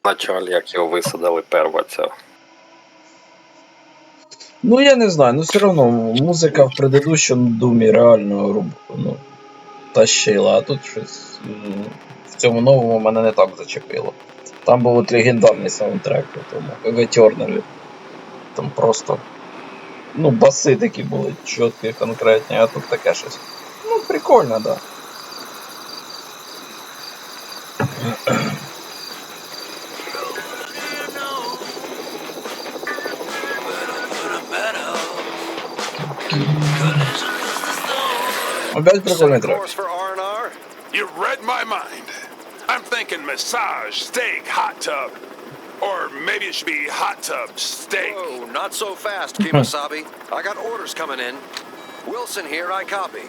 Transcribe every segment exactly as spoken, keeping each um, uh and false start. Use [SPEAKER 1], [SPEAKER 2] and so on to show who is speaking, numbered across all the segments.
[SPEAKER 1] началі, як його висадили перваця.
[SPEAKER 2] Ну я не знаю, ну все одно музика в предыдущому думі реально ну, тащила, а тут щось в цьому новому мене не так зачепило. Там був от легендарний саундтрек у тому ГГ Тернері. Там просто ну баси такі були чіткі, конкретні, а тут таке щось. Ну прикольно, да. Опять прикольный трек.
[SPEAKER 3] You read my mind. I'm thinking massage, steak, hot tub. Or maybe it should be hot tub, steak.
[SPEAKER 4] Whoa, not so fast, Kemosabe. I got orders coming in. Wilson here, I copy.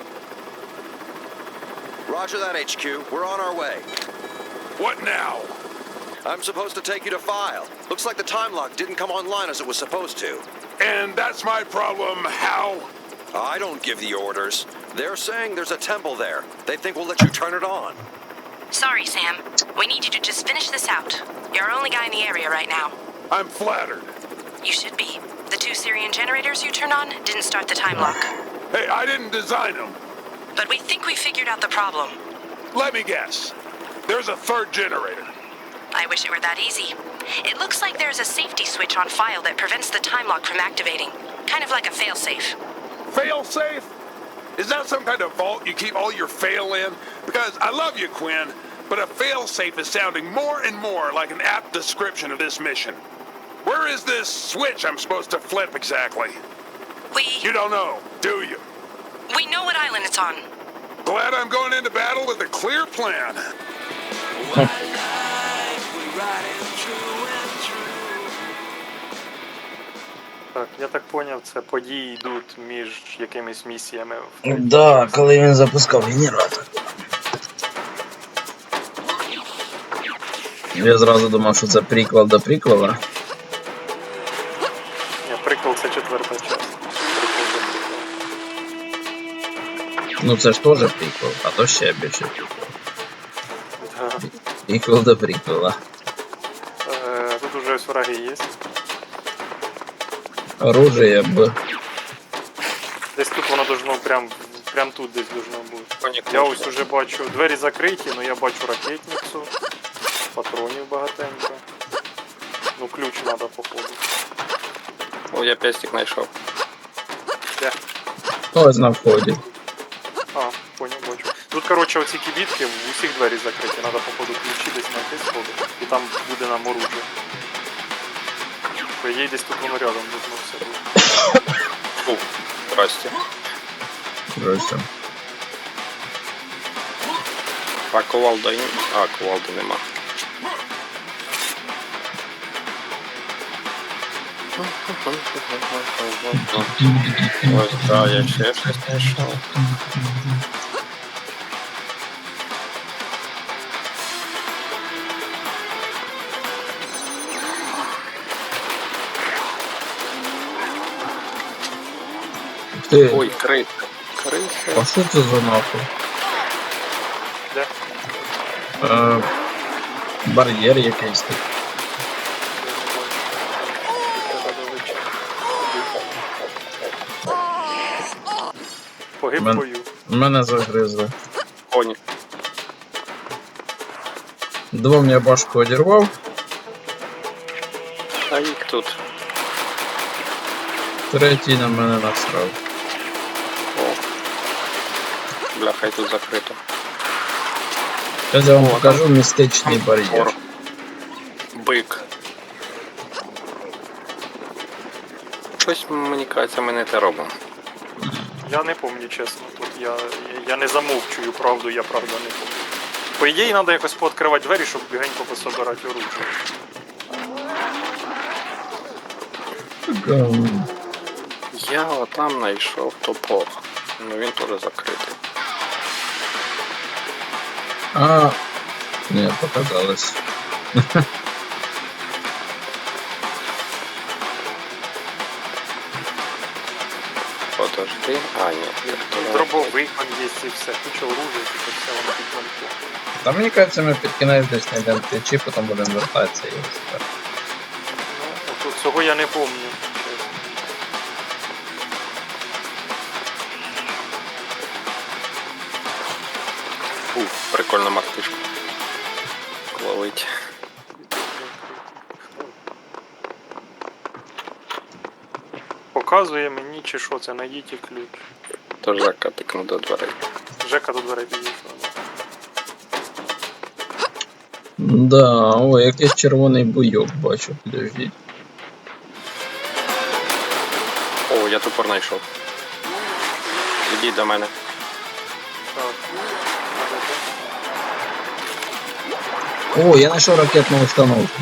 [SPEAKER 4] Roger that, H Q. We're on our way.
[SPEAKER 3] What now?
[SPEAKER 4] I'm supposed to take you to file. Looks like the time lock didn't come online as it was supposed to.
[SPEAKER 3] And that's my problem, how?
[SPEAKER 4] I don't give the orders. They're saying there's a temple there. They think we'll let you turn it on.
[SPEAKER 5] Sorry, Sam. We need you to just finish this out. You're our only guy in the area right now.
[SPEAKER 3] I'm flattered.
[SPEAKER 5] You should be. The two Syrian generators you turned on didn't start the time lock.
[SPEAKER 3] Hey, I didn't design them.
[SPEAKER 5] But we think we figured out the problem.
[SPEAKER 3] Let me guess. There's a third generator.
[SPEAKER 5] I wish it were that easy. It looks like there's a safety switch on file that prevents the time lock from activating. Kind of like a failsafe.
[SPEAKER 3] Fail-safe? Is that some kind of vault you keep all your fail in? Because I love you, Quinn, but a fail-safe is sounding more and more like an apt description of this mission. Where is this switch I'm supposed to flip exactly?
[SPEAKER 5] We...
[SPEAKER 3] You don't know, do you?
[SPEAKER 5] We know what island it's on.
[SPEAKER 3] Glad I'm going into battle with a clear plan.
[SPEAKER 6] Так, я так поняв, це події йдуть між якимись місіями.
[SPEAKER 2] Да, коли він запускав генератор. Я зразу думав, що це приквел до приквела.
[SPEAKER 6] Ні, приквел це четверта частина.
[SPEAKER 2] Ну це ж теж приквел, а то ще більше приквел.
[SPEAKER 6] Да.
[SPEAKER 2] Приквел до приквела.
[SPEAKER 6] Е, тут уже ось враги є.
[SPEAKER 2] Оружие б.
[SPEAKER 6] Десь тут воно должно прям, прям тут десь должно бути. Я ось уже бачу, двері закриті, але я бачу ракетницю. Патронів багатенько. Ну ключ треба походу.
[SPEAKER 1] О, я пестик знайшов.
[SPEAKER 6] Де?
[SPEAKER 2] Ось на вході.
[SPEAKER 6] А, понял, бачу. Тут, коротше, оці кибітки, в усіх двері закриті, треба походу ключі десь знайти сходу. І там буде нам оружие. По ідеї десь тут воно рядом должно все бути.
[SPEAKER 1] Фу, здрасте.
[SPEAKER 2] Здрасте.
[SPEAKER 1] А кувалда... А, кувалди нема. Ось, да, я ще щось знайшов.
[SPEAKER 2] Ти,
[SPEAKER 1] Ой, криса. Криса.
[SPEAKER 2] а що це за нахуй?
[SPEAKER 6] Де?
[SPEAKER 2] Е, бар'єр якийсь тут.
[SPEAKER 6] Погиб
[SPEAKER 2] Мен...
[SPEAKER 6] в бою.
[SPEAKER 2] Мене загризли.
[SPEAKER 1] Коні.
[SPEAKER 2] Двом я башку одірвав.
[SPEAKER 1] А їх тут.
[SPEAKER 2] Третій на мене насрав.
[SPEAKER 1] О. Бляха, і тут закрито.
[SPEAKER 2] Зараз я вам
[SPEAKER 1] О,
[SPEAKER 2] покажу містичний бар'єр.
[SPEAKER 1] Бик. Щось, мені кажеться, ми не те робимо.
[SPEAKER 6] Я не пам'ятаю, чесно. Тут я, я, я не замовчую правду, я правда не пам'ятаю. По ідеї, треба якось пооткривати двері, щоб бігенько пособирати оружие.
[SPEAKER 1] Я отам знайшов топор. Ну він теж закритий.
[SPEAKER 2] А, не, показалось.
[SPEAKER 1] Подожди. А, ні.
[SPEAKER 6] Дробовик он є і все. Куча оружия, типу все воно під замки.
[SPEAKER 2] Та мені кажеться, ми під кінець десь знайдемо ключі, потім будемо вертатися і все.
[SPEAKER 6] Ну, тут цього я не помню.
[SPEAKER 1] Ух, прикольна мартишка. Ловить.
[SPEAKER 6] Показує мені, чи що це, найдіть і ключ.
[SPEAKER 1] То Жека пікнув до дверей.
[SPEAKER 6] Жека до дверей підійшов.
[SPEAKER 2] Да, о, якийсь червоний буйок бачу, підождіть.
[SPEAKER 1] О, я тупор знайшов. Ідіть до мене.
[SPEAKER 6] Так.
[SPEAKER 2] О, я знайшов ракетну установку.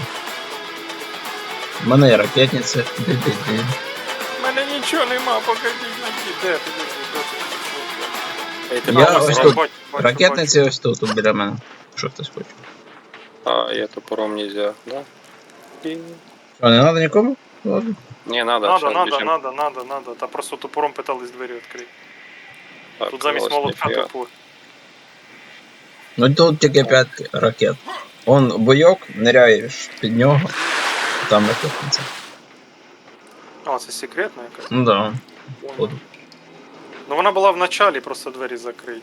[SPEAKER 2] У мене є ракетниця. Ди-ди-ди.
[SPEAKER 6] У мене нічого нема, покажіть на де, підійшли.
[SPEAKER 1] Ей, ти
[SPEAKER 2] Я
[SPEAKER 1] там
[SPEAKER 2] ось
[SPEAKER 1] сразу-
[SPEAKER 2] тут.
[SPEAKER 6] Бачу, бачу,
[SPEAKER 2] Ракетниці ось тут, тут біля мене. Що хтось хоче?
[SPEAKER 1] А, я топором нельзя, да? І...
[SPEAKER 2] Що, не треба нікому? Ладно.
[SPEAKER 1] Не, надо,
[SPEAKER 6] Надо,
[SPEAKER 1] щас
[SPEAKER 6] надо,
[SPEAKER 1] біжим.
[SPEAKER 6] надо, надо, надо. Та просто топором питались двері відкрити.
[SPEAKER 1] Так,
[SPEAKER 6] Тут замість
[SPEAKER 1] ось
[SPEAKER 6] молотка
[SPEAKER 1] ніфіга.
[SPEAKER 6] топор.
[SPEAKER 2] Ну тут тільки п'ять ракет. Он буйок, ниряєш під нього. Там ракетниця.
[SPEAKER 6] А, це секретна якась?
[SPEAKER 2] Ну да. От.
[SPEAKER 6] Ну вона була в началі, просто двері закриті.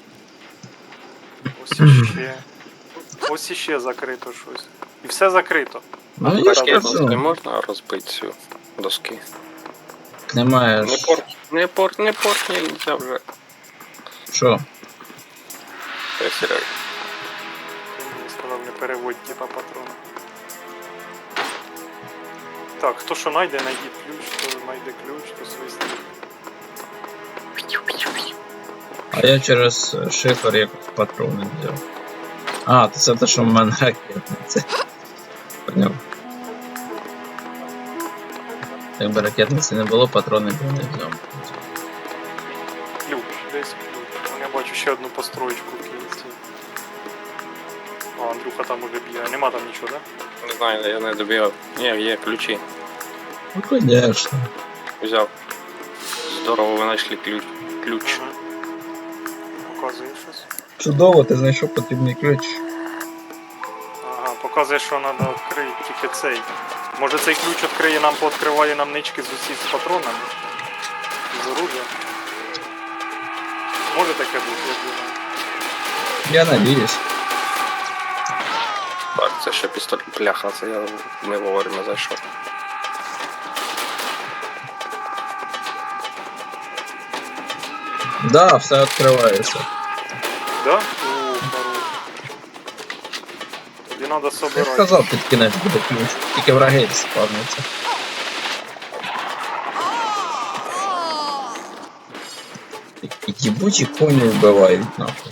[SPEAKER 6] Ось іще. Ось іще закрито щось. І все закрито.
[SPEAKER 2] Ну я ж
[SPEAKER 1] Ракетницю не
[SPEAKER 2] кажу.
[SPEAKER 1] можна розбити цю доски.
[SPEAKER 2] Немає
[SPEAKER 1] Не
[SPEAKER 2] ж.
[SPEAKER 1] порт, не порт, не порт, нельзя вже.
[SPEAKER 2] Що?
[SPEAKER 1] Пересіряй.
[SPEAKER 6] Ти мені сказав, не переводь типа патрона. Так, хто що знайде, знайдіть ключ, хто знайде ключ, то свистить.
[SPEAKER 2] А я через шифр як патрони взяв. А, то це те, що в мене ракетниця. Поняв. Якби ракетниці не було, патрони б я не взяв.
[SPEAKER 6] Ключ, десь ключ. Вон я бачу ще одну построєчку в кінці. А, Андрюха там уже б'є. Нема там нічого, да?
[SPEAKER 1] Не знаю, я не добігав. Ні, є ключі.
[SPEAKER 2] Ну, конечно.
[SPEAKER 1] Взяв. Здорово, ви знайшли ключ. Ключ.
[SPEAKER 6] Угу. Показує щось.
[SPEAKER 2] Чудово, ти знайшов потрібний ключ.
[SPEAKER 6] Ага, показує, що треба відкрити тільки цей. Може цей ключ відкриє нам, пооткриває нам нички з усіх з патронами? З оружия? Може таке бути, я думаю.
[SPEAKER 2] Я надіюсь.
[SPEAKER 1] Так, це ще пістолет. Пляха, це я не вовремя зайшов.
[SPEAKER 2] Да, все відкривається.
[SPEAKER 6] Да? О, хорош. Тобі треба
[SPEAKER 2] Я
[SPEAKER 6] собирати.
[SPEAKER 2] ж казав, під кінець буде ключ. Тільки враги спавняться. І їбучі коні вбивають нахуй.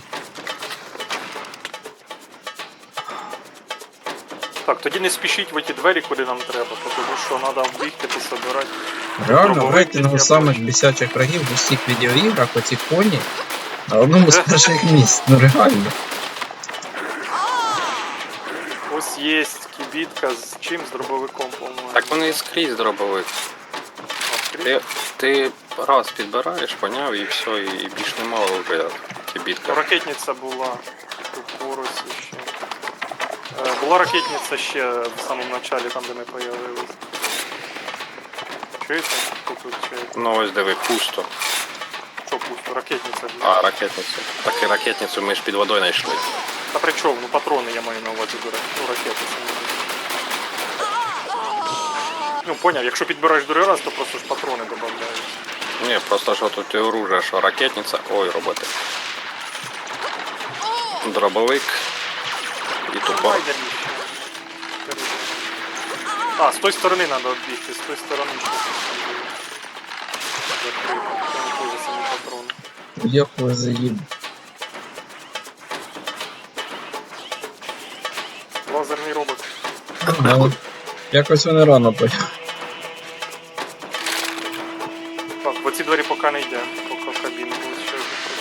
[SPEAKER 6] Так, тоді не спішіть в ті двері, куди нам треба, тому що треба вбігти та собирати.
[SPEAKER 2] Реально, в
[SPEAKER 6] Пробувати
[SPEAKER 2] рейтингу
[SPEAKER 6] я
[SPEAKER 2] самих
[SPEAKER 6] бачу.
[SPEAKER 2] бісячих врагів в усіх відеоіграх оці коні на одному з перших місць. Ну реально.
[SPEAKER 6] Ось є кібітка з чим? З дробовиком, по-моєму.
[SPEAKER 1] Так вони і скрізь дробовик.
[SPEAKER 6] А,
[SPEAKER 1] Ти, ти раз підбираєш, поняв, і все, і, і більш нема вже кибітка.
[SPEAKER 6] Ракетниця була тут поруч ще. Е, Була ракетниця ще в самому началі, там де ми появились. Чуєте? Хто тут чуєте?
[SPEAKER 1] Ну ось диви, пусто.
[SPEAKER 6] Що пусто? Ракетниця була.
[SPEAKER 1] А, ракетницю. Так і ракетницю ми ж під водою знайшли.
[SPEAKER 6] Та при чому? Ну патрони я маю на увазі до ракети. Ну ракети це не. Ну поняв, якщо підбираєш другий раз, то просто ж патрони додають.
[SPEAKER 1] Ні, просто що тут і оружие, що ракетниця. Ой, роботи. Дробовик. І тупор.
[SPEAKER 6] Давай, дальніше. А, з тої сторони треба відбігти, з тої сторони ще. Закрито. Це не дуже самі патрони.
[SPEAKER 2] Як ви заїб.
[SPEAKER 6] Лазерний робот.
[SPEAKER 2] Ага. Якось вони рано поїхали.
[SPEAKER 6] Так, в оці двері поки не йде, поки в кабіну буде ще.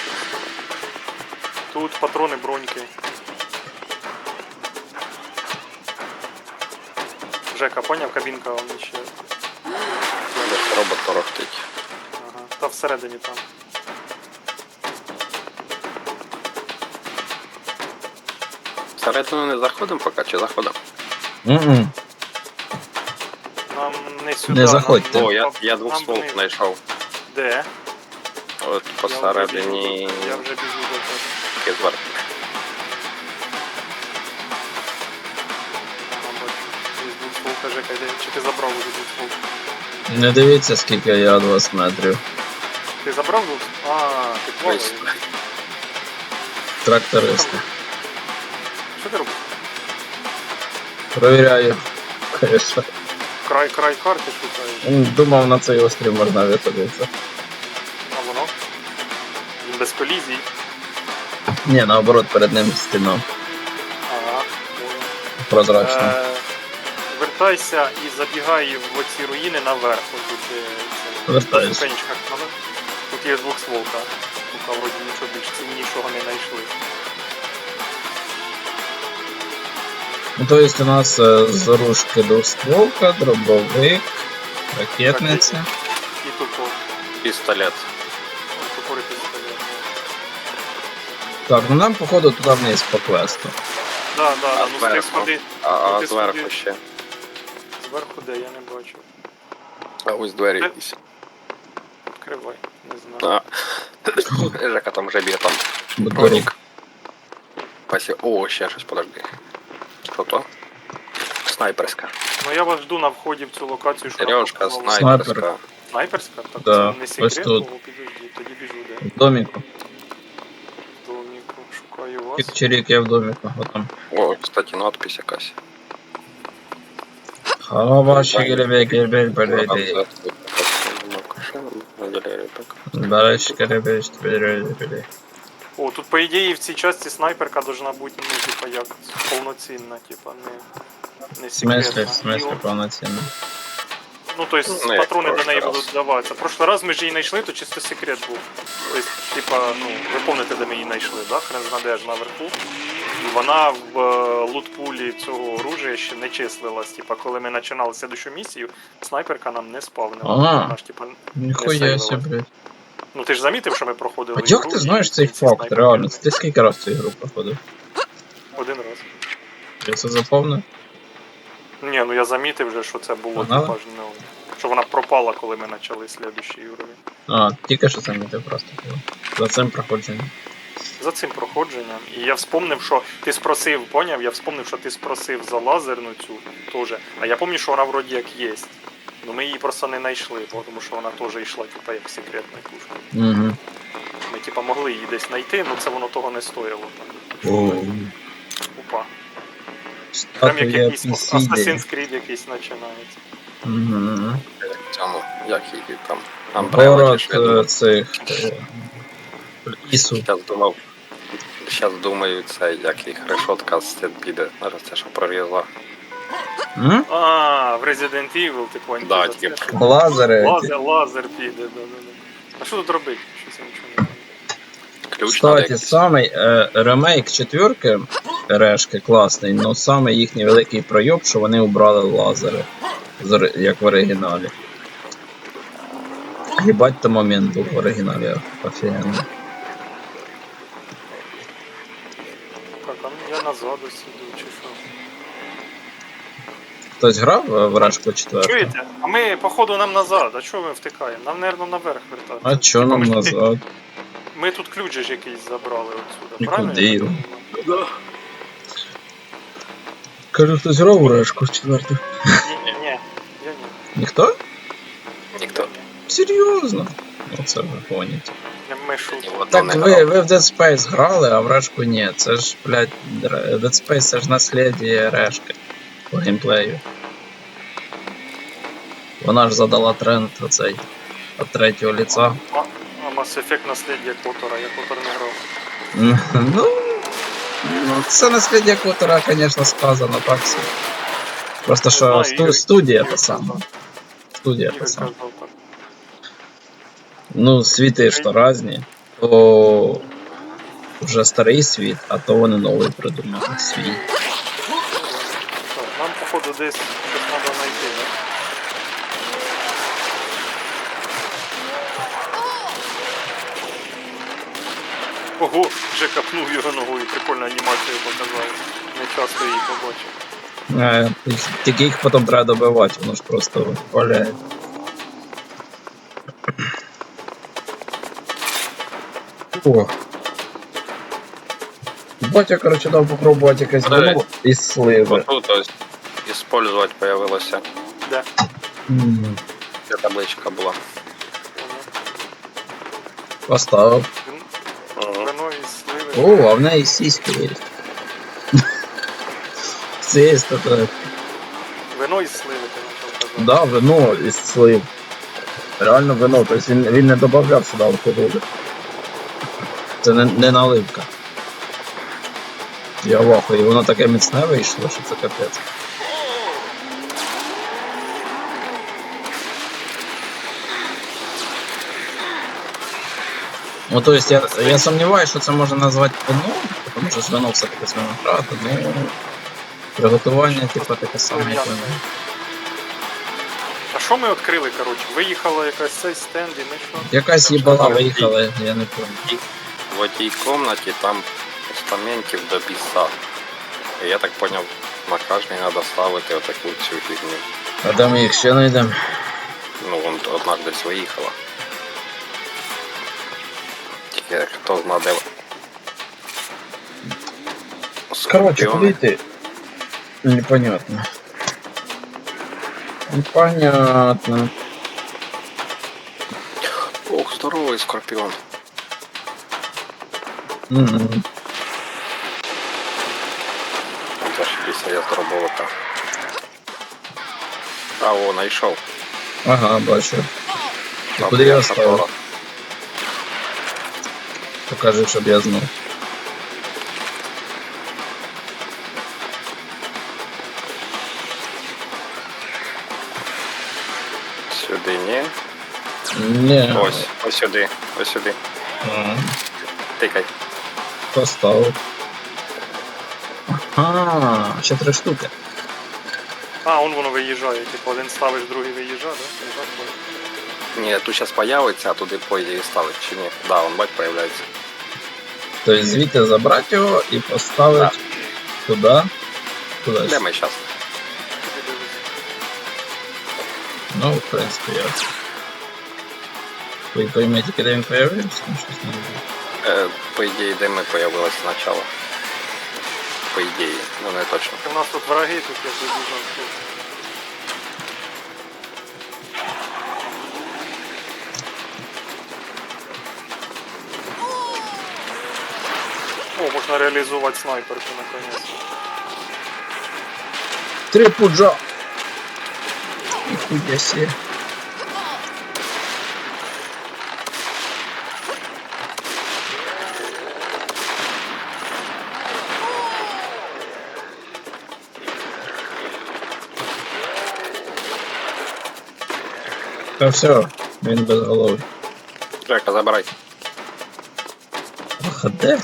[SPEAKER 6] Тут патрони, броньки. Жека, поняв, кабінка он ще.
[SPEAKER 1] Десь робот торохтить.
[SPEAKER 6] Ага. Та всередині там.
[SPEAKER 1] Всередину не заходимо поки, чи заходимо?
[SPEAKER 2] М-м.
[SPEAKER 6] Нам не сюди.
[SPEAKER 2] Не заходьте.
[SPEAKER 6] нам-
[SPEAKER 1] О, я,
[SPEAKER 6] нам
[SPEAKER 1] я двох ствол
[SPEAKER 6] вниз.
[SPEAKER 1] знайшов.
[SPEAKER 6] Де?
[SPEAKER 1] От
[SPEAKER 6] Я вже
[SPEAKER 1] посередині
[SPEAKER 6] біжу до- Я вже біжу до тебе.
[SPEAKER 1] таки зверху.
[SPEAKER 6] Ага, бачу. Десь двохстволка, Жека, йде. Чи ти забрав уже двохстволку?
[SPEAKER 2] Не дивіться, скільки я від вас метрів.
[SPEAKER 6] Ти забрав двох? А, ти плаваєш.
[SPEAKER 1] Ось.
[SPEAKER 2] Трактористи.
[SPEAKER 6] Що ти робиш?
[SPEAKER 2] Провіряю. Конечно.
[SPEAKER 6] Край, край карти шукаєш.
[SPEAKER 2] М, Думав, на цей острів можна висадитися.
[SPEAKER 6] А воно? Він без колізій.
[SPEAKER 2] Ні, наоборот, перед ним стіна
[SPEAKER 6] Ага.
[SPEAKER 2] прозрачна.
[SPEAKER 6] Е, Вертайся і забігай в оці руїни наверх. Тут де це.
[SPEAKER 2] Вертаюсь.
[SPEAKER 6] На ступенечках наверх. Тут є двохстволка. Поки вроді нічого більш ціннішого не знайшли.
[SPEAKER 2] Ну, то есть у нас е, з ружки двостволка, дробовик, ракетниця.
[SPEAKER 6] І тупо.
[SPEAKER 1] Пістолет.
[SPEAKER 6] Тупори пістолет.
[SPEAKER 2] Так, ну нам походу туди вниз по квесту.
[SPEAKER 6] Да, да,
[SPEAKER 1] А
[SPEAKER 6] да, ну з тих
[SPEAKER 1] зверху?
[SPEAKER 6] сходи.
[SPEAKER 1] А, а
[SPEAKER 6] ти
[SPEAKER 1] зверху
[SPEAKER 6] сходи.
[SPEAKER 1] ще.
[SPEAKER 6] Зверху де, я не бачу.
[SPEAKER 1] А ось двері
[SPEAKER 6] Е.
[SPEAKER 1] якісь.
[SPEAKER 6] Відкривай, не знаю.
[SPEAKER 1] А. Жека там вже б'є там.
[SPEAKER 2] Будорік.
[SPEAKER 1] Пасі. О, ще щось, подожди. Що то? Снайперська.
[SPEAKER 6] Ну я вас жду на вході в цю локацію, що
[SPEAKER 1] Сережка,
[SPEAKER 6] нам пропонували.
[SPEAKER 1] снайперська.
[SPEAKER 6] Снайперська? Так
[SPEAKER 2] Да,
[SPEAKER 6] це не
[SPEAKER 2] ось
[SPEAKER 6] секрет,
[SPEAKER 2] тут.
[SPEAKER 6] О, підожди, тоді біжу де.
[SPEAKER 2] В доміку.
[SPEAKER 6] Доміку, шукаю вас.
[SPEAKER 2] Чик-чирик, я в доміку. От там.
[SPEAKER 1] О, кстати, надпись якась.
[SPEAKER 2] Хава, шигеребекер, бельбеледи. Далі шигеребекер, бельбеледи.
[SPEAKER 6] О, тут по ідеї в цій часті снайперка должна бути, ну, типа, як повноцінна, типа, не, не
[SPEAKER 2] В смислі,
[SPEAKER 6] секретна.
[SPEAKER 2] в смислі
[SPEAKER 6] І,
[SPEAKER 2] повноцінно.
[SPEAKER 6] ну, то есть
[SPEAKER 1] Ну, як
[SPEAKER 6] патрони до
[SPEAKER 1] прошлий
[SPEAKER 6] неї
[SPEAKER 1] раз.
[SPEAKER 6] будуть даватися. Прошлий раз ми ж її знайшли, то чисто секрет був. Тобто, типа, ну, ви пам'ятаєте, де ми її знайшли, да? Хрен знаде ж наверху. І вона в е, лутпулі цього оружия ще не числилась. Типа, коли ми починали слідущу місію, снайперка нам не спавнила.
[SPEAKER 2] Ага.
[SPEAKER 6] Вона ж, типа, не
[SPEAKER 2] Ніхуя
[SPEAKER 6] сейвилась.
[SPEAKER 2] себе, блядь.
[SPEAKER 6] Ну ти ж замітив, що ми проходили.
[SPEAKER 2] А як
[SPEAKER 6] ігру,
[SPEAKER 2] ти знаєш
[SPEAKER 6] і
[SPEAKER 2] цей
[SPEAKER 6] ці
[SPEAKER 2] факт,
[SPEAKER 6] снайперки
[SPEAKER 2] реально? Ти скільки раз цю ігру проходив?
[SPEAKER 6] Один раз.
[SPEAKER 2] Я це запомнив?
[SPEAKER 6] Ні, ну я замітив вже, що це було,
[SPEAKER 2] Ага.
[SPEAKER 6] типа ж, ну, що вона пропала, коли ми почали слідущі ігрові.
[SPEAKER 2] А, тільки що замітив просто було. За цим проходженням.
[SPEAKER 6] За цим проходженням. І я вспомнив, що ти спросив, поняв? Я вспомнив, що ти спросив за лазерну цю теж. А я пам'ятаю, що вона вроді як є. Ну ми її просто не знайшли, тому що вона теж йшла, типа, як секретна пушка.
[SPEAKER 2] Угу.
[SPEAKER 6] Ми типа могли її десь знайти, але це воно того не стоїло. Опа. Прям як
[SPEAKER 2] Статуя
[SPEAKER 6] якийсь
[SPEAKER 2] Пісіди.
[SPEAKER 6] Assassin's Creed якийсь починається.
[SPEAKER 2] Угу.
[SPEAKER 1] Цьому, як її там. Umbrella
[SPEAKER 2] Город
[SPEAKER 1] чи що, я думаю.
[SPEAKER 2] е, цих... е, Ісу.
[SPEAKER 1] Щас думав. Щас думаю, це як їх решотка з цим піде. Зараз це що прорізла.
[SPEAKER 2] М?
[SPEAKER 6] А, в Resident Evil ти поняв.
[SPEAKER 1] Да,
[SPEAKER 6] за це.
[SPEAKER 1] тільки
[SPEAKER 2] Лазери.
[SPEAKER 6] Лазер, лазер піде, да, да, да. А що тут робити? Щось я нічого не знаю.
[SPEAKER 1] ключ надо
[SPEAKER 2] Кстати,
[SPEAKER 1] якийсь.
[SPEAKER 2] самий е, ремейк четвірки решки класний, але самий їхній великий пройоб, що вони убрали лазери. з ори- Як в оригіналі. Єбать, то момент був в оригіналі офігенний.
[SPEAKER 6] Так, а ну я назад ось іду, чи що?
[SPEAKER 2] Хтось грав е, в решку четверту?
[SPEAKER 6] Чуєте? А ми, походу, нам назад. А чого ми втикаємо? Нам, мабуть, наверх вертатися.
[SPEAKER 2] А чо
[SPEAKER 6] Типа,
[SPEAKER 2] нам
[SPEAKER 6] ми ж тут-
[SPEAKER 2] назад?
[SPEAKER 6] Ми тут ключ же ж якийсь забрали отсюда,
[SPEAKER 2] І
[SPEAKER 6] правильно?
[SPEAKER 2] куди
[SPEAKER 6] я так
[SPEAKER 2] його?
[SPEAKER 6] розумію?
[SPEAKER 2] Кажу, хтось грав у решку четверту?
[SPEAKER 6] Ні, ні, ні. Я ні.
[SPEAKER 2] Ніхто?
[SPEAKER 1] Ніхто.
[SPEAKER 2] Серйозно? Оце ви гоніте.
[SPEAKER 6] Не ми шутимо.
[SPEAKER 1] Ні, от
[SPEAKER 2] Так
[SPEAKER 1] не
[SPEAKER 2] ви,
[SPEAKER 1] грав.
[SPEAKER 2] ви в Dead Space грали, а в решку ні. Це ж, блядь, Dead Space це ж наслідие решки по геймплею. Вона ж задала тренд оцей від третього лица.
[SPEAKER 6] А, а Mass Effect наслідя Котора, я Котор не грав.
[SPEAKER 2] Ну, ну це наслідие Котора, звісно, сказано так собі. Просто що
[SPEAKER 6] знаю,
[SPEAKER 2] сту-
[SPEAKER 6] Ігор-
[SPEAKER 2] студія
[SPEAKER 6] Ігор
[SPEAKER 2] та сама.
[SPEAKER 6] казав.
[SPEAKER 2] Студія та
[SPEAKER 6] Ігор
[SPEAKER 2] сама.
[SPEAKER 6] казав так.
[SPEAKER 2] Ну, світи ж то різні. То вже старий світ, а то вони новий придумали свій.
[SPEAKER 6] Так, нам, походу, десь щось треба знайти, да? Ого, вже капнув його ногою, прикольну анімацію показав. Не часто її побачив.
[SPEAKER 2] Е, Тільки їх потім треба добивати, воно ж просто валяє. О. Батя, короче, дав попробувати якесь
[SPEAKER 1] Подивись.
[SPEAKER 2] вино із сливи.
[SPEAKER 1] Тут ось использовать появилося.
[SPEAKER 6] Де?
[SPEAKER 2] М,
[SPEAKER 1] Де табличка була.
[SPEAKER 2] Поставив.
[SPEAKER 1] Ага.
[SPEAKER 6] Вино із сливи.
[SPEAKER 2] О, а в неї сіськи є. Це є таке.
[SPEAKER 6] Вино із сливи ти почав казати.
[SPEAKER 2] Да, вино із слив. Реально вино, тобто він, він не додавав сюди алкоголю. Це не, не наливка. Я в ахуї, воно таке міцне вийшло, що це капець. Ну, то есть я, я сомневаюсь, що це можна назвати вино, тому що ж вино все-таки з винограду, ну приготування, типу, таке саме, як вино.
[SPEAKER 6] А що ми відкрили, коротше? Виїхала якась цей стенд і ми що?
[SPEAKER 2] Якась їбала виїхала, я не пам'ятаю.
[SPEAKER 1] В одній кімнаті там постаментів до біса. І я так поняв, на кожній треба ставити отаку цю фігню.
[SPEAKER 2] А де ми їх ще знайдемо?
[SPEAKER 1] Ну, вон одна десь виїхала. Тільки хто зна де.
[SPEAKER 2] Короче,
[SPEAKER 1] Скорпіони.
[SPEAKER 2] куди йти? Непонятно. Непонятно.
[SPEAKER 1] Ох, здоровий скорпіон.
[SPEAKER 2] М-м.
[SPEAKER 1] Це ж після я зробовика. А, о, знайшов.
[SPEAKER 2] Ага, бачу. І
[SPEAKER 1] Там
[SPEAKER 2] куди я
[SPEAKER 1] є
[SPEAKER 2] ставив?
[SPEAKER 1] капора.
[SPEAKER 2] Покажи, щоб я знав.
[SPEAKER 1] Сюди ні.
[SPEAKER 2] Ні.
[SPEAKER 1] Ось, ось сюди, ось сюди.
[SPEAKER 2] Ага.
[SPEAKER 1] Тикай.
[SPEAKER 2] Поставив. Ага, ще три штуки.
[SPEAKER 6] А, он воно виїжджає, типу один ставиш, другий виїжджає, да? Не так, бо-
[SPEAKER 1] Ні, тут зараз появиться, а туди по ідеї ставить чи ні. Да, он бать появляється.
[SPEAKER 2] Тобто звідти забрати його і поставити туди. Куди?
[SPEAKER 1] Де ми зараз?
[SPEAKER 2] Ну, в принципі, я. Ви поймете, де він появився? Ну, щось не знаю.
[SPEAKER 1] Е, по ідеї, де ми появилися спочатку. По ідеї, ну не точно.
[SPEAKER 6] У нас тут враги, тут я вибіжав. О, можна реалізувати снайперку наконец.
[SPEAKER 2] Три пуджа! Ніхуя себе. Та все, він без голови.
[SPEAKER 1] Жека, забирай.
[SPEAKER 2] Ах, а де?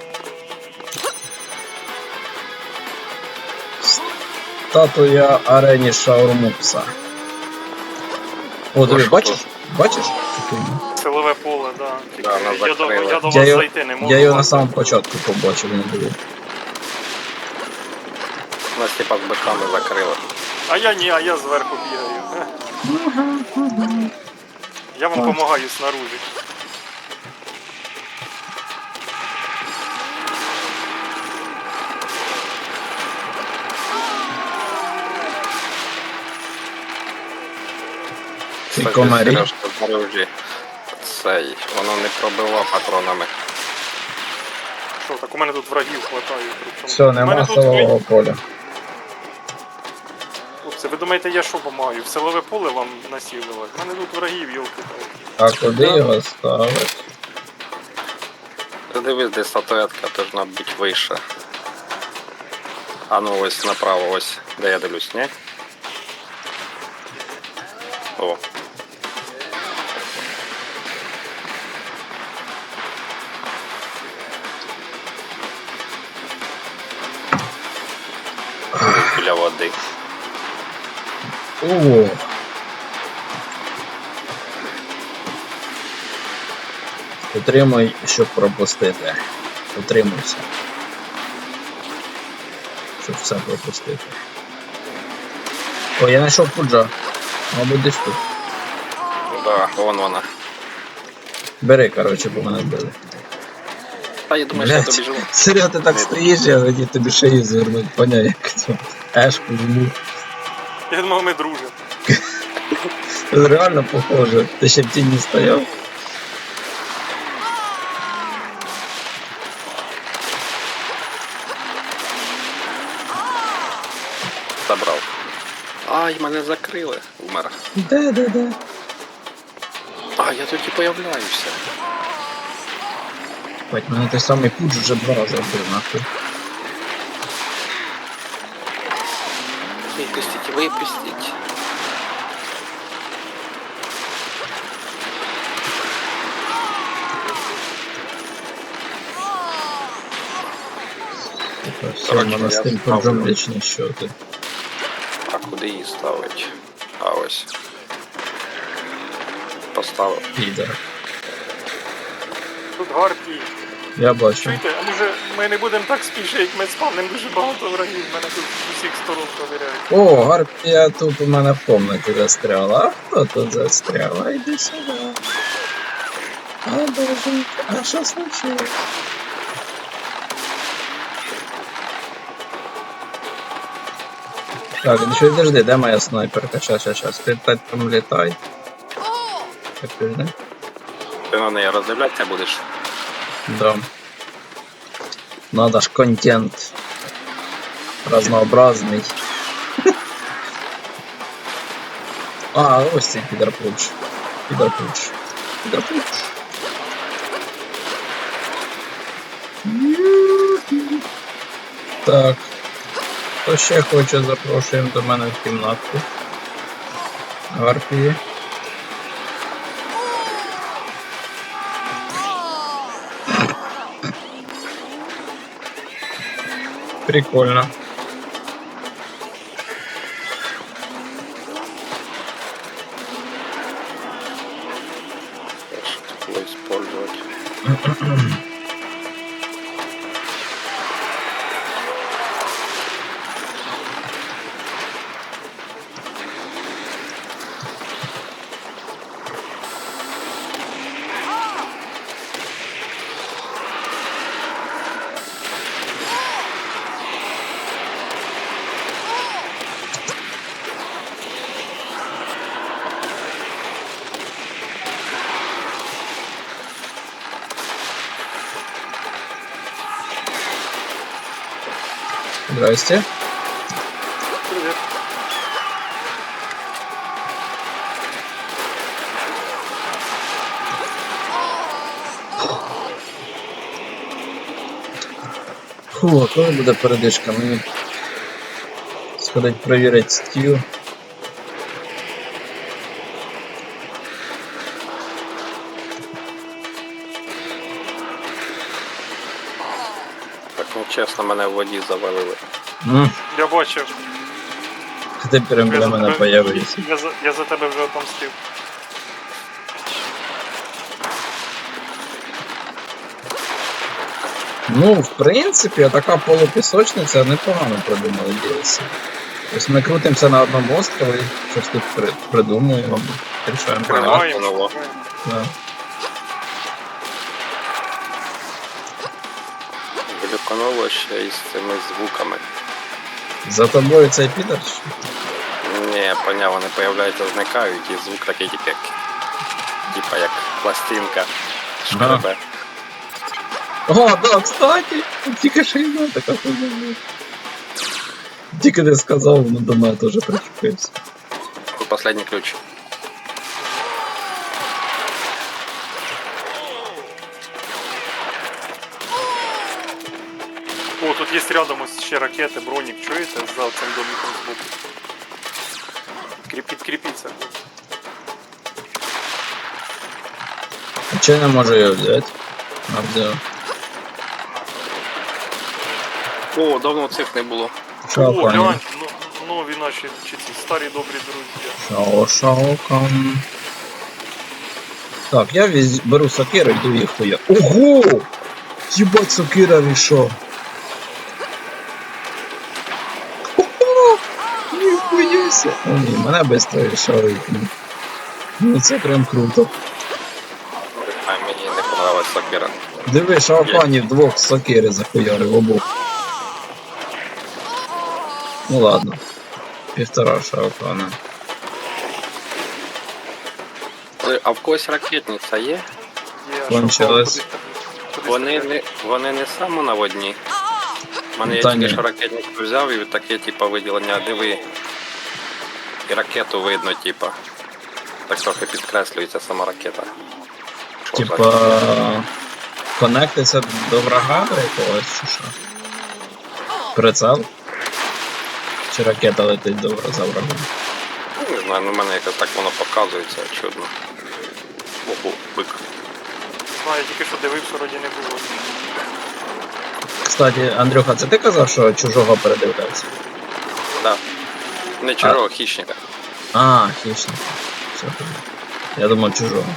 [SPEAKER 2] Статуя арені Шаурмупса. О, диви,
[SPEAKER 1] що
[SPEAKER 2] бачиш?
[SPEAKER 1] тут?
[SPEAKER 2] Бачиш? цю фігню?
[SPEAKER 6] Силове поле, да. Тільки
[SPEAKER 1] Да, нас
[SPEAKER 6] я, до,
[SPEAKER 1] закрили.
[SPEAKER 6] я до
[SPEAKER 2] Я
[SPEAKER 6] вас
[SPEAKER 2] його,
[SPEAKER 6] зайти не можу.
[SPEAKER 2] я його на самому початку побачив, не диви.
[SPEAKER 1] Нас типа з биками закрили.
[SPEAKER 6] А я ні, а я зверху бігаю. Я вам допомагаю снаружи.
[SPEAKER 2] Ці
[SPEAKER 1] Кстати,
[SPEAKER 2] комарі.
[SPEAKER 1] Сережка, знаружі. Цей, воно не пробило патронами.
[SPEAKER 6] Що, так у мене тут врагів хватає. Причому.
[SPEAKER 2] Все,
[SPEAKER 6] У мене
[SPEAKER 2] нема
[SPEAKER 6] тут
[SPEAKER 2] силового поля.
[SPEAKER 6] Хлопці, ви думаєте, я що допомагаю? В силове поле вам насілювати? У мене тут врагів, йолки.
[SPEAKER 2] А куди його ставити?
[SPEAKER 1] Ти дивись, де статуетка, должна бути вище. А ну ось направо, ось, де я дивлюсь, ні? О. Біля води.
[SPEAKER 2] О. Утримуй, щоб пропустити. Утримуйся. Щоб все пропустити. О, я знайшов пуджа. Мабуть, десь тут.
[SPEAKER 1] Да, вон вона.
[SPEAKER 2] Бери, коротше, бо мене били.
[SPEAKER 1] Та я думаю, що я
[SPEAKER 2] Блять,
[SPEAKER 1] тобі живу.
[SPEAKER 2] серйозно, ти так стоїш, я хотів тобі шию звернути, поняв, як цю ешку жму.
[SPEAKER 6] Я думав, ми дружимо.
[SPEAKER 2] Це реально похоже. Ти ще в тіні стояв?
[SPEAKER 1] Забрав. Ай, мене закрили. Умер.
[SPEAKER 2] Де, де, де?
[SPEAKER 1] А, я тут і появляюся.
[SPEAKER 2] Бать, мене той самий пудж вже два рази вбив, нахуй.
[SPEAKER 1] Випустіть, випустіть.
[SPEAKER 2] Типа, все,
[SPEAKER 1] Коротше,
[SPEAKER 2] мене з
[SPEAKER 1] я
[SPEAKER 2] тим
[SPEAKER 1] ставлю.
[SPEAKER 2] пуджом вічні щоти.
[SPEAKER 1] А куди її ставить? А ось. Поставив.
[SPEAKER 2] Підер.
[SPEAKER 6] Тут гарпії.
[SPEAKER 2] Я бачу.
[SPEAKER 6] Чуєте, а може ми не будемо так спішити, як ми спавним дуже багато врагів, мене тут з усіх сторон провіряють.
[SPEAKER 2] О, гарпія тут у мене в комнаті застряла. А хто тут застрял? А йди сюди. А, боженька, а що случилось? Так, ну що, подожди, де моя снайперка? Щас, щас, щас. Ти так там літай. Так, подожди.
[SPEAKER 1] Ти на неї роздивлятися будеш?
[SPEAKER 2] Да. Надо ж контент разнообразный. А, ось цей підерпуч. Підерпуч. Підерпуч. Так. Хто ще хоче, запрошуємо до мене в кімнатку. Гарпії. Прикольно.
[SPEAKER 1] Что было использовать?
[SPEAKER 2] Здрасте.
[SPEAKER 6] Привіт.
[SPEAKER 2] Фу, а коли буде передишка? Мені сходить перевірити стіл.
[SPEAKER 1] Так нечесно, мене в воді завалили.
[SPEAKER 2] М,
[SPEAKER 6] Я бачив.
[SPEAKER 2] Ти прям
[SPEAKER 6] Я
[SPEAKER 2] біля
[SPEAKER 6] за
[SPEAKER 2] мене
[SPEAKER 6] тебе-
[SPEAKER 2] появився.
[SPEAKER 6] Я за, я за тебе вже отомстив.
[SPEAKER 2] Ну, в принципі, така полупісочниця непогано придумали ді ел сі. Тобто ми крутимося на одному острові, щось тут при, придумуємо, рішаємо проблеми.
[SPEAKER 6] Тримаємо.
[SPEAKER 1] воно.
[SPEAKER 6] шукаємо.
[SPEAKER 2] Да.
[SPEAKER 1] Глюкануло ще із цими звуками.
[SPEAKER 2] За тобою цей підер? чи?
[SPEAKER 1] Ні, поняв, вони появляються, зникають, і звук такий тільки як. Типа як пластинка. Шкребе.
[SPEAKER 2] О, да, кстати, тільки шийна така хуйня. Тільки не сказав, воно до мене теж причепився.
[SPEAKER 1] Последній ключ.
[SPEAKER 6] О, тут є рядом ось ще ракети, бронік, чуєте? За цим домиком збоку. Кріпіть, кріпіться.
[SPEAKER 2] А чи я не можу його взяти? А взяв.
[SPEAKER 1] О, давно цих не було.
[SPEAKER 2] Шо,
[SPEAKER 6] О,
[SPEAKER 2] пані?
[SPEAKER 6] глянь, ну, нові наші, чи ці старі добрі друзі.
[SPEAKER 2] Шао, шао, кам. Так, я віз... беру сокиру, йду їх хуя. Ого! Єбать, сокира рішо. Ого! Ніхуяся. О ні, мене быстро рішають. Ну це прям круто.
[SPEAKER 1] А мені не понравилась сокира.
[SPEAKER 2] Диви, шаофанів двох з сокири захуярив обох. Ну ладно. Півтора шаофана.
[SPEAKER 1] Ой, а в когось ракетниця є?
[SPEAKER 6] Є, а
[SPEAKER 2] Кончилось.
[SPEAKER 6] що, куди- куди
[SPEAKER 1] Вони
[SPEAKER 6] стріляти?
[SPEAKER 1] не, вони не самонаводні. У мене я
[SPEAKER 2] Та
[SPEAKER 1] тільки
[SPEAKER 2] ні.
[SPEAKER 1] що ракетницю взяв і таке типа виділення, диви. І ракету видно, типа. Так трохи підкреслюється сама ракета. Що за-
[SPEAKER 2] Типа. Конектиться до врага до якогось чи що? Прицел? Чи ракета летить до вра- за врагом?
[SPEAKER 1] Ну, не знаю, ну в мене якось так воно показується, чудно. Ого, бик.
[SPEAKER 6] Знаю, я тільки що дивився, вроді не було.
[SPEAKER 2] Кстати, Андрюха, це ти казав, що чужого передивлявся?
[SPEAKER 1] Да. Не чужого, хищника.
[SPEAKER 2] А, хищник. Все, понятно. Я думав чужого.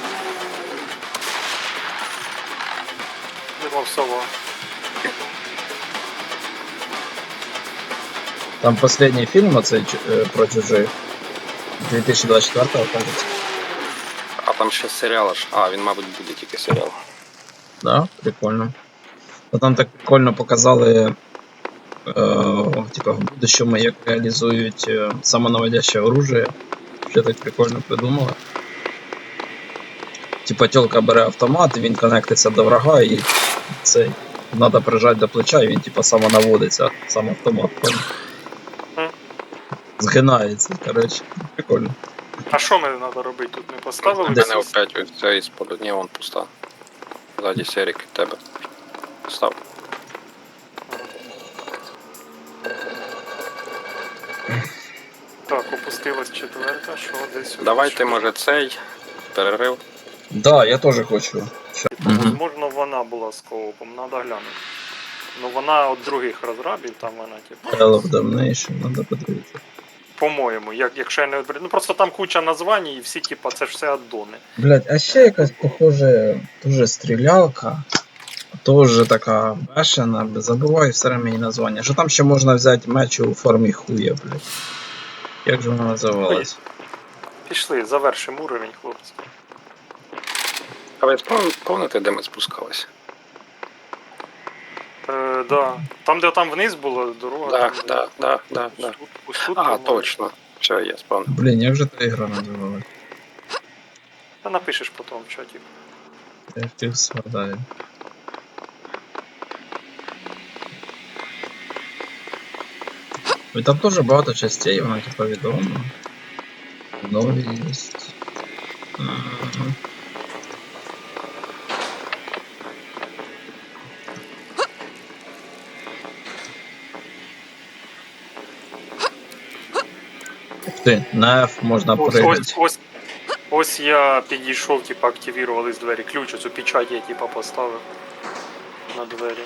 [SPEAKER 6] Думав, сова.
[SPEAKER 2] Там последний фільм оцей чу- е, про чужих. дві тисячі двадцять четвертого, кажеться.
[SPEAKER 1] А там ще серіал аж. А, він, мабуть, буде тільки серіал.
[SPEAKER 2] Да, прикольно. Ну, там так прикольно показали, е, типа, в будущому, як реалізують е, самонаводяще оружие. Ще так прикольно придумали. Типа тілка бере автомат, і він конектиться до врага, і цей. Надо прижати до плеча, і він типа самонаводиться, сам автомат. понял?
[SPEAKER 6] Мгм.
[SPEAKER 2] Згинається, коротше. Прикольно.
[SPEAKER 6] А що мені треба робити? Тут не поставили?
[SPEAKER 1] Де
[SPEAKER 6] всі?
[SPEAKER 1] не опять ось це із-под. Ні, вон пуста. Ззаді серік від тебе. Став.
[SPEAKER 6] Так, опустилась четверта, що десь. сюди,
[SPEAKER 1] Давайте,
[SPEAKER 6] що?
[SPEAKER 1] може, цей перерив.
[SPEAKER 2] Да, я теж хочу.
[SPEAKER 6] Типу, Можливо, вона була з коопом, треба глянути. Ну вона від других розрабів, там вона, типу,
[SPEAKER 2] Hell of Damnation, надо подивитися.
[SPEAKER 6] по-моєму, як, якщо я не відберу. Ну просто там куча названь і всі, типу, це ж все аддони.
[SPEAKER 2] Блять, а ще якась похоже, дуже стрілялка. Тоже така бешена, забуваю все время її названня. Що там ще можна взяти меч у формі хуя, блять. Як же вона називалась?
[SPEAKER 6] Пішли, завершимо уровень, хлопці.
[SPEAKER 1] А ви спом- помните, де ми спускалися?
[SPEAKER 6] Е, да. Там, де там вниз була дорога.
[SPEAKER 1] Да,
[SPEAKER 6] там, де-
[SPEAKER 1] да, да, да, да.
[SPEAKER 6] Тут, ось тут,
[SPEAKER 1] А,
[SPEAKER 6] по-моєму.
[SPEAKER 1] точно. Все, я спомнив.
[SPEAKER 2] Блін, як же та ігра називалась?
[SPEAKER 6] Та напишеш потім в чаті.
[SPEAKER 2] Я хотів згадаю. І там теж багато частей, вона типа відома. Нові є. Ага. Ух ти, на F можна
[SPEAKER 6] Ось,
[SPEAKER 2] пригати.
[SPEAKER 6] ось, ось, ось я підійшов, типу, активірувались двері. Ключ, оцю печать я типу, поставив на двері.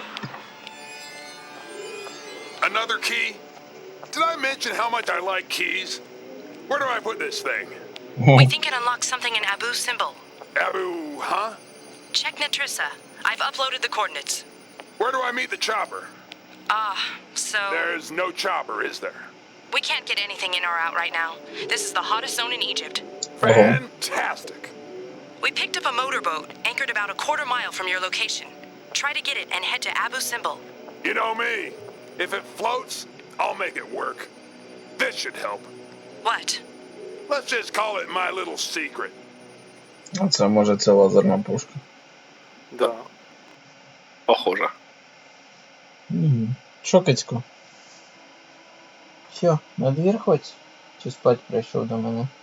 [SPEAKER 3] Another key? Did I mention how much I like keys? Where do I put this thing?
[SPEAKER 5] We think it unlocks something in Abu symbol.
[SPEAKER 3] Abu, huh?
[SPEAKER 5] Check Natrissa. I've uploaded the coordinates.
[SPEAKER 3] Where do I meet the chopper?
[SPEAKER 5] Ah, so
[SPEAKER 3] There's no chopper, is there?
[SPEAKER 5] we can't get anything in or out right now. This is the hottest zone in Egypt.
[SPEAKER 3] Fantastic.
[SPEAKER 5] We picked up a motorboat anchored about a quarter mile from your location. Try to get it and head to Abu symbol.
[SPEAKER 3] You know me. If it floats, I'll make it work. This should help.
[SPEAKER 5] What?
[SPEAKER 3] Let's just call it my little secret.
[SPEAKER 2] А це може це лазерна пушка.
[SPEAKER 6] Да.
[SPEAKER 1] Похоже.
[SPEAKER 2] Угу. Що, Кицько? Що, на двір хоч? Чи спать прийшов до мене?